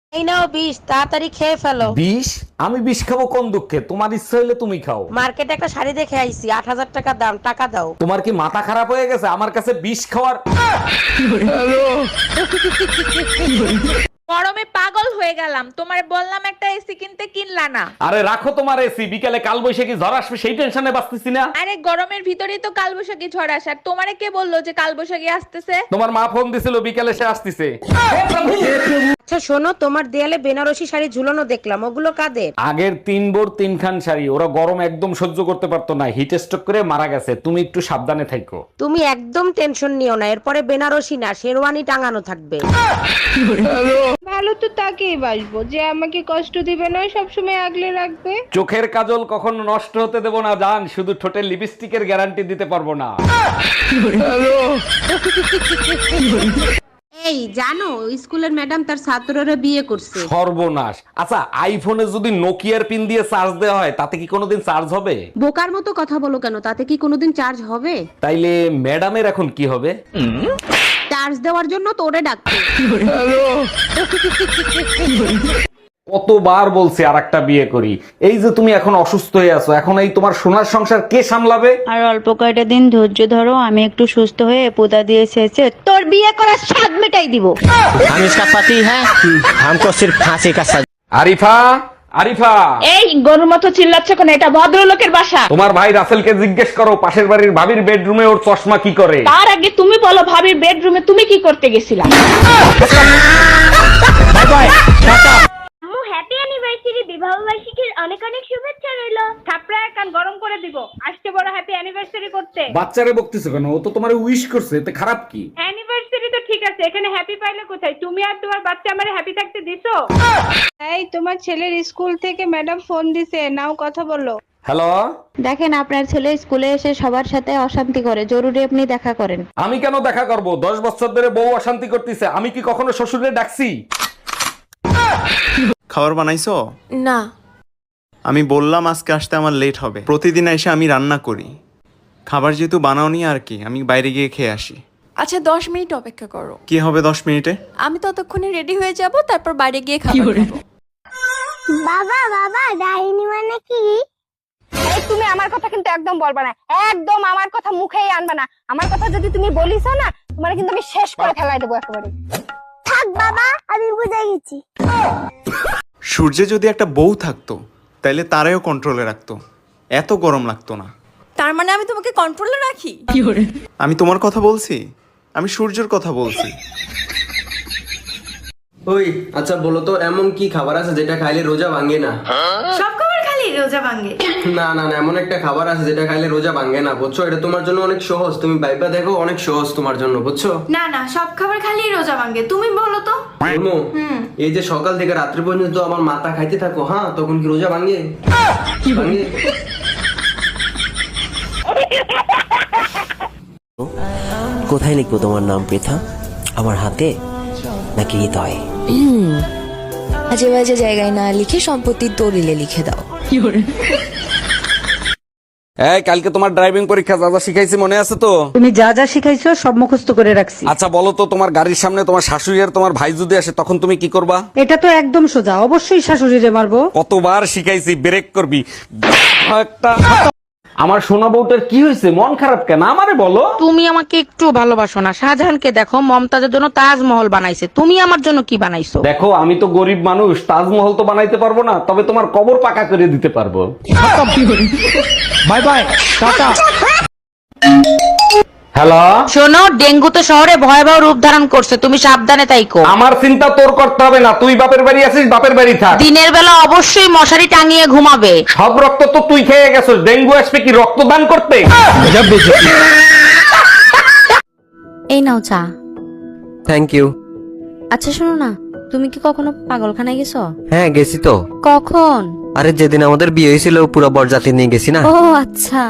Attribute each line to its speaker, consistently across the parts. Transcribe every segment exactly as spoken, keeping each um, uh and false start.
Speaker 1: এই নাও বিষ, তাড়াতাড়ি খেয়ে ফেলো।
Speaker 2: বিষ? আমি বিষ খাবো কোন দুঃখে? তোমার ইচ্ছা হইলে তুমি খাও।
Speaker 1: মার্কেটে একটা শাড়ি দেখে আইছি, আট হাজার টাকা দাম, টাকা দাও।
Speaker 2: তোমার কি মাথা খারাপ হয়ে গেছে আমার কাছে বিষ খাওয়ার?
Speaker 3: গরমে পাগল হয়ে গেলাম, তোমার বললাম একটা এসি কিনতে, কিনলা না।
Speaker 2: আরে রাখো তোমার এসি, বিকেলে কাল বৈশাখী ঝড় আসবে সেই টেনশনে বাঁচতেছি না।
Speaker 3: আরে গরমের ভিতরেই তো কালবৈশাখী ঝড় আসার, তোমারে কে বললো যে কালবৈশাখী আসতেছে?
Speaker 2: তোমার মা ফোন দিছিল বিকেলে সে আসতেছে।
Speaker 1: আচ্ছা শোনো, তোমার দেয়ালে বেনারসি শাড়ি ঝুলানো দেখলাম, ওগুলো কাদের?
Speaker 2: আগের তিন বোর তিনখান শাড়ি, ওরা গরম একদম সহ্য করতে পারতো না, হিট স্ট্রোক করে মারা গেছে। তুমি একটু সাবধানে থাকো।
Speaker 1: তুমি একদম টেনশন নিও না, এরপরে বেনারসি না শেরওয়ানি টাঙানো থাকবে।
Speaker 4: ভালো তো তাকেই বাসবো যে আমাকে কষ্ট দিবে না, সবসময় আগলে রাখবে।
Speaker 2: চোখের কাজল কখনো নষ্ট হতে দেব না জান, শুধু ঠোঁটের লিপস্টিকের গ্যারান্টি দিতে পারবো না।
Speaker 1: এই জানো, স্কুলের ম্যাডাম তার ছাত্ররা বিয়ে করছে।
Speaker 2: সর্বনাশ। আচ্ছা আইফোনে যদি নোকিয়ার পিন দিয়ে চার্জ দেওয়া হয় তাতে কি কোনোদিন চার্জ হবে?
Speaker 1: বোকার মতো কথা বলো কেন, তাতে কি কোনোদিন চার্জ হবে?
Speaker 2: তাইলে ম্যাডামের এখন কি হবে?
Speaker 1: চার্জ দেওয়ার জন্য তোরে ডাকছে।
Speaker 2: কতবার বলছি আর একটা বিয়ে করি, এই যে তুমি এখন অসুস্থ হয়ে আছো, এখন এই তোমার সোনার সংসার কে সামলাবে?
Speaker 5: আর অল্প কয়টা দিন ধৈর্য ধরো, আমি একটু সুস্থ হয়ে পোদা দিয়ে শেষে তোর বিয়ে করার স্বাদ মেটাই দিব।
Speaker 6: हम इसका पति है, हमको सिर्फ फांसी का सजा।
Speaker 2: আরিফা, আরিফা,
Speaker 4: এই গরুর মতো চিল্লাচ্ছে কেন? এটা ভদ্রলোকের বাসা।
Speaker 2: তোমার ভাই রাসেলকে জিজ্ঞেস করো পাশের বাড়ির ভাবির বেডরুমে ওর চশমা কি করে।
Speaker 4: তার আগে তুমি বলো, ভাবির বেডরুমে তুমি কি করতে গেছিলা?
Speaker 6: Bye bye, tata.
Speaker 7: আম্মু হ্যাপি অ্যানিভার্সারি, বিবাহ বার্ষিকীর অনেক অনেক শুভেচ্ছা রইলো।
Speaker 4: থাপড়ায় কান গরম করে দিব, আসতে বড় হ্যাপি অ্যানিভার্সারি করতে।
Speaker 2: বাচ্চারে বকতেছো কেন? ও তো তোমারে উইশ করছে, এতে খারাপ কি?
Speaker 4: অ্যানিভার্সারি তো ঠিক আছে, এখানে হ্যাপি পাইলে কোথায়? তুমি আর তোমার বাচ্চা আমারে হ্যাপি থাকতে দিছো? এই তোমার ছেলের স্কুল থেকে ম্যাডাম ফোন দিছে, নাও কথা বলো।
Speaker 2: হ্যালো,
Speaker 5: দেখেন আপনার ছেলে স্কুলে এসে সবার সাথে অশান্তি করে, জরুরি আপনি দেখা করেন।
Speaker 2: আমি কেন দেখা করব? দশ বছর ধরে বউ অশান্তি করতেছে, আমি কি কখনো শ্বশুরে ডাকছি?
Speaker 8: খাবার বানাইছো?
Speaker 3: না।
Speaker 8: আমি বললাম আজকে আসতে আমার লেট হবে। প্রতিদিন এসে আমি রান্না করি, খাবার যেহেতু বানাওনি আর কি, আমি বাইরে গিয়ে খেয়ে আসি।
Speaker 3: আচ্ছা দশ মিনিট অপেক্ষা করো,
Speaker 8: কি হবে দশ মিনিটে?
Speaker 3: আমি ততক্ষণে রেডি হয়ে যাব, তারপর বাইরে গিয়ে খাবার খাবো।
Speaker 7: বাবা বাবা, ডাইনি মানে কি?
Speaker 4: এই তুমি আমার কথা কিন্তু একদম বলবা না, একদম আমার কথা মুখেই আনবা না। আমার কথা যদি তুমি বলিছো না, তোমার কিন্তু আমি শেষ করে ফেলাই দেবো একেবারে।
Speaker 7: থাক বাবা, আমি বুঝে গেছি।
Speaker 8: সূর্যে যদি একটা বউ থাকতো তাইলে তারাও কন্ট্রোলে রাখতো, এত গরম লাগতো না।
Speaker 3: তার মানে আমি তোমাকে কন্ট্রোলে রাখি?
Speaker 8: আমি তোমার কথা বলছি? আমি সূর্যের কথা বলছি।
Speaker 9: ওই আচ্ছা বলো তো, এমন কি খাবার আছে যেটা খাইলে রোজা ভাঙে না?
Speaker 3: সব খাবার খালি রোজা ভাঙে?
Speaker 9: না না না, এমন একটা খাবার আছে যেটা খাইলে রোজা ভাঙে না, বুঝছো? এটা তোমার জন্য অনেক সহজ, তুমি ভাইবা দেখো, অনেক সহজ তোমার জন্য, বুঝছো?
Speaker 3: না না, সব খাবার খালি রোজা ভাঙে, তুমি বলো তো।
Speaker 9: বলবো? এই যে সকাল থেকে রাত্রি পর্যন্ত আমার মাথা খাইতে থাকো, হ্যাঁ, তখন কি রোজা ভাঙে? ভাঙে?
Speaker 6: কোথায় লিখবো তোমার নাম পৃথা? আমার হাতে নাকি হৃদয়ে?
Speaker 10: আজে বাজে জায়গায় না লিখে সম্পত্তির দলিলে লিখে দাও।
Speaker 2: এই কালকে তোমার ড্রাইভিং পরীক্ষা, যা যা শিখাইছি মনে আছে তো?
Speaker 1: তুমি যা যা শিখাইছো সব মুখস্থ করে রাখছি।
Speaker 2: আচ্ছা বলো তো, তোমার গাড়ির সামনে তোমার শাশুড়ি আর তোমার ভাই যদি আসে তখন তুমি কি করবা?
Speaker 1: এটা তো একদম সোজা, অবশ্যই শাশুড়িরে মারবো।
Speaker 2: কতবার শিখাইছি, ব্রেক করবি একটা। আমার সোনা বউটার কি হয়েছে? মন খারাপ কেন আমারে বলো।
Speaker 1: তুমি আমাকে একটু ভালোবাসো না? শাহজাহানকে দেখো, মমতাজের জন্য তাজমহল বানাইছে, তুমি আমার জন্য কি বানাইছো?
Speaker 2: দেখো আমি তো গরিব মানুষ, তাজমহল তো বানাইতে পারবো না, তবে তোমার কবর পাকা করে দিতে পারবো।
Speaker 6: Bye bye, tata.
Speaker 2: হ্যালো,
Speaker 1: শোনো, ডেঙ্গু তো শহরে ভয়াবহ রূপ ধারণ করছে, তুমি সাবধানে তাইকো।
Speaker 2: আমার চিন্তা তোর করতে হবে না, তুই বাপের বাড়ি আছিস, বাপের বাড়ি থাক।
Speaker 1: দিনের বেলা অবশ্যই মশারি টাঙিয়ে ঘুমাবে।
Speaker 2: সব রক্ত তো তুই খেয়ে গেছিস, ডেঙ্গু আসবে কি রক্তদান করতে?
Speaker 10: এই নাও চা।
Speaker 6: Thank you.
Speaker 10: আচ্ছা শোনো না, তুমি কি কখনো পাগলখানায় গেছো?
Speaker 6: হ্যাঁ গেছি তো।
Speaker 10: কখন?
Speaker 6: আরে যেদিন আমাদের বিয়ে হয়েছিল পুরো বরযাত্রী নিয়ে গেছি না।
Speaker 10: ও আচ্ছা।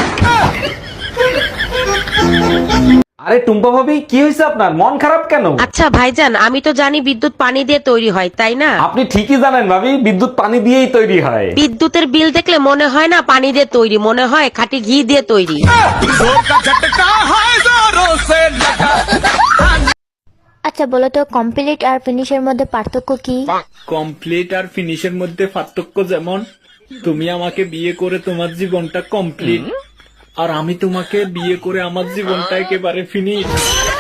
Speaker 2: আরে টুম্পা ভাবি, কি হয়েছে আপনার? মন খারাপ কেন?
Speaker 1: আচ্ছা ভাইজান, আমি তো জানি বিদ্যুৎ পানি দিয়ে তৈরি হয়, তাই না?
Speaker 2: আপনি ঠিকই জানেন ভাবি, বিদ্যুৎ পানি দিয়েই তৈরি হয়।
Speaker 1: বিদ্যুতের বিল দেখলে মনে হয় না পানি দিয়ে তৈরি, মনে হয় খাঁটি ঘি দিয়ে তৈরি।
Speaker 7: আচ্ছা বলো তো কমপ্লিট আর ফিনিশের মধ্যে পার্থক্য কি?
Speaker 11: কমপ্লিট আর ফিনিশের মধ্যে পার্থক্য যেমন তুমি আমাকে বিয়ে করে তোমার জীবনটা কমপ্লিট, আর আমি তোমাকে বিয়ে করে আমার জীবনটা একেবারে ফিনিশ।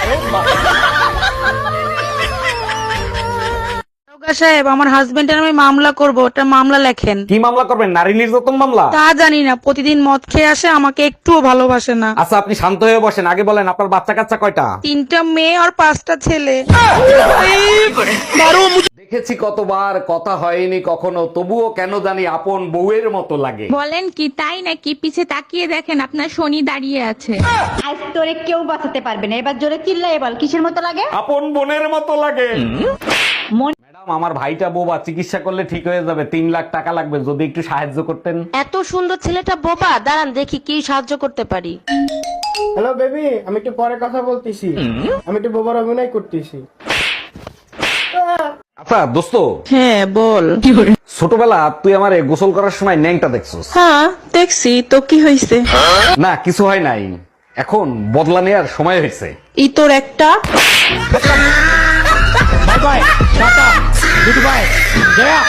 Speaker 1: সাহেব, আমার হাজবেন্ডের আমি মামলা করব, ওটা মামলা লেখেন।
Speaker 2: কি মামলা করবেন? নারী নির্যাতন মামলা?
Speaker 1: তা জানি না, প্রতিদিন মদ খেয়ে আসে, আমাকে একটুও ভালোবাসে না।
Speaker 2: আচ্ছা আপনি শান্ত হয়ে বসেন, আগে বলেন আপনার বাচ্চা কাচ্চা কয়টা?
Speaker 1: তিনটা মেয়ে আর পাঁচটা ছেলে।
Speaker 2: দেখেছি কতবার, কথা হয়নি কখনো, তবুও কেন জানি আপন বউয়ের মতো লাগে।
Speaker 3: বলেন কি তাই নাকি? পিছে তাকিয়ে দেখেন আপনার শনি দাঁড়িয়ে আছে।
Speaker 5: আজ তোরে কেউ বাঁচাতে পারবে না, এবার জোরে চিল্লাই বল কিসের মতো লাগে?
Speaker 2: আপন বোনের মতো লাগে। ম্যাডাম, আমার ভাইটা বোবা, চিকিৎসা করলে ঠিক হয়ে যাবে, তিন লাখ টাকা লাগবে, যদি একটু সাহায্য করতেন।
Speaker 1: এত সুন্দর ছেলেটা বোবা, দাঁড়ান দেখি কি সাহায্য করতে পারি।
Speaker 9: হ্যালো বেবি, আমি একটু পরে কথা বলতেছি, আমি একটু বোবার অভিনয় করতেছি।
Speaker 2: আচ্ছা দোস্ত,
Speaker 1: হ্যাঁ বল।
Speaker 2: ছোটবেলা তুই আমারে গোসল করার সময় ন্যাংটা দেখছস?
Speaker 1: হ্যাঁ দেখছি, তো কি হয়েছে?
Speaker 2: না কিছু হয় নাই, এখন বদলা নেওয়ার সময় হয়েছে।
Speaker 1: ই তোর একটা।
Speaker 2: Bye bye, tata, goodbye, Jaya.